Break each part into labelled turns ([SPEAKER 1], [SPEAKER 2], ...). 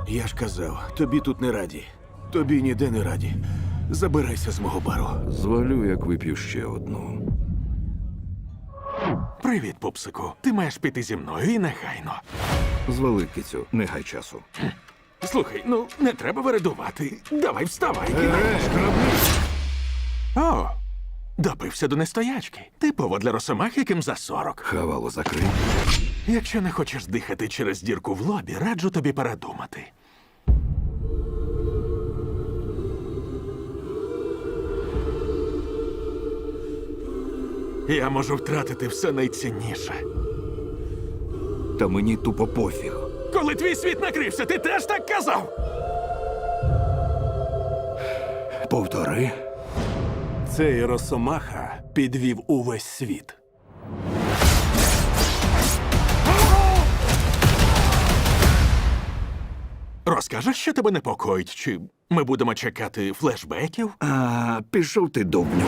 [SPEAKER 1] Я ж казав, тобі тут не раді. Тобі ніде не раді. Забирайся з мого бару.
[SPEAKER 2] Звалю, як вип'ю ще одну.
[SPEAKER 3] Привіт, пупсику. Ти маєш піти зі мною і негайно.
[SPEAKER 2] Звали, кицю, не гай часу.
[SPEAKER 3] Слухай, ну не треба вередувати. Давай вставай. О, допився до нестоячки. Типово для росомах, яким за 40.
[SPEAKER 2] Хавало закрий.
[SPEAKER 3] Якщо не хочеш дихати через дірку в лобі, раджу тобі передумати. Я можу втратити все найцінніше.
[SPEAKER 2] Та мені тупо пофіг.
[SPEAKER 3] Коли твій світ накрився, ти теж так казав?
[SPEAKER 2] Повтори.
[SPEAKER 1] Цей Росомаха підвів увесь світ.
[SPEAKER 3] Розкажеш, що тебе непокоїть? Чи ми будемо чекати флешбеків?
[SPEAKER 2] А, пішов ти, дубню.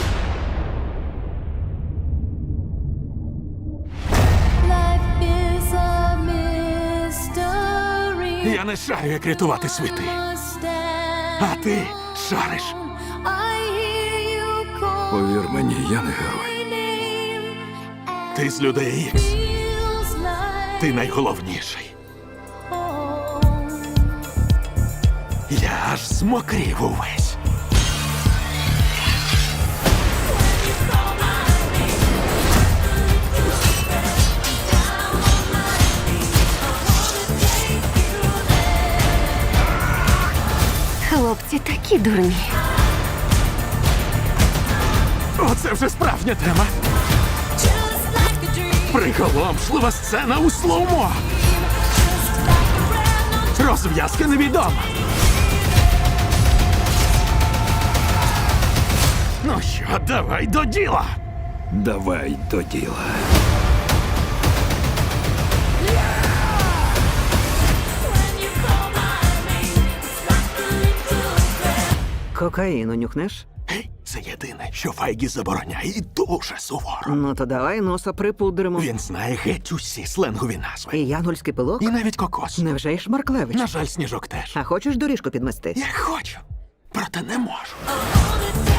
[SPEAKER 4] Life is a mystery.
[SPEAKER 3] Я не шарю, як рятувати світи. А ти шариш.
[SPEAKER 4] I hear you call
[SPEAKER 2] Повір мені, я не герой.
[SPEAKER 4] my name.
[SPEAKER 3] Ти з людей Ікс.
[SPEAKER 4] Feels like
[SPEAKER 3] Ти найголовніший.
[SPEAKER 4] home.
[SPEAKER 3] Я аж змокрів увесь.
[SPEAKER 5] Хлопці такі дурні.
[SPEAKER 3] Оце вже справжня тема.
[SPEAKER 4] Just like a dream.
[SPEAKER 3] Приголомшлива сцена у слоумо.
[SPEAKER 4] Just like a brand new
[SPEAKER 3] Розв'язка невідома. Ну що, давай до діла.
[SPEAKER 2] Давай до діла.
[SPEAKER 4] when you call my name. It's like a little bell.
[SPEAKER 6] Кокаїну нюхнеш?
[SPEAKER 3] Гей, це єдине, що Файгі забороняє і дуже суворо.
[SPEAKER 6] Ну то давай носа припудримо.
[SPEAKER 3] Він знає геть усі сленгові назви.
[SPEAKER 6] І янгольський пилок?
[SPEAKER 3] І навіть кокос.
[SPEAKER 6] Невже й Шмарклевич?
[SPEAKER 3] На жаль, Сніжок теж.
[SPEAKER 6] А хочеш доріжку підмести?
[SPEAKER 3] Я хочу, проте не можу.
[SPEAKER 4] All the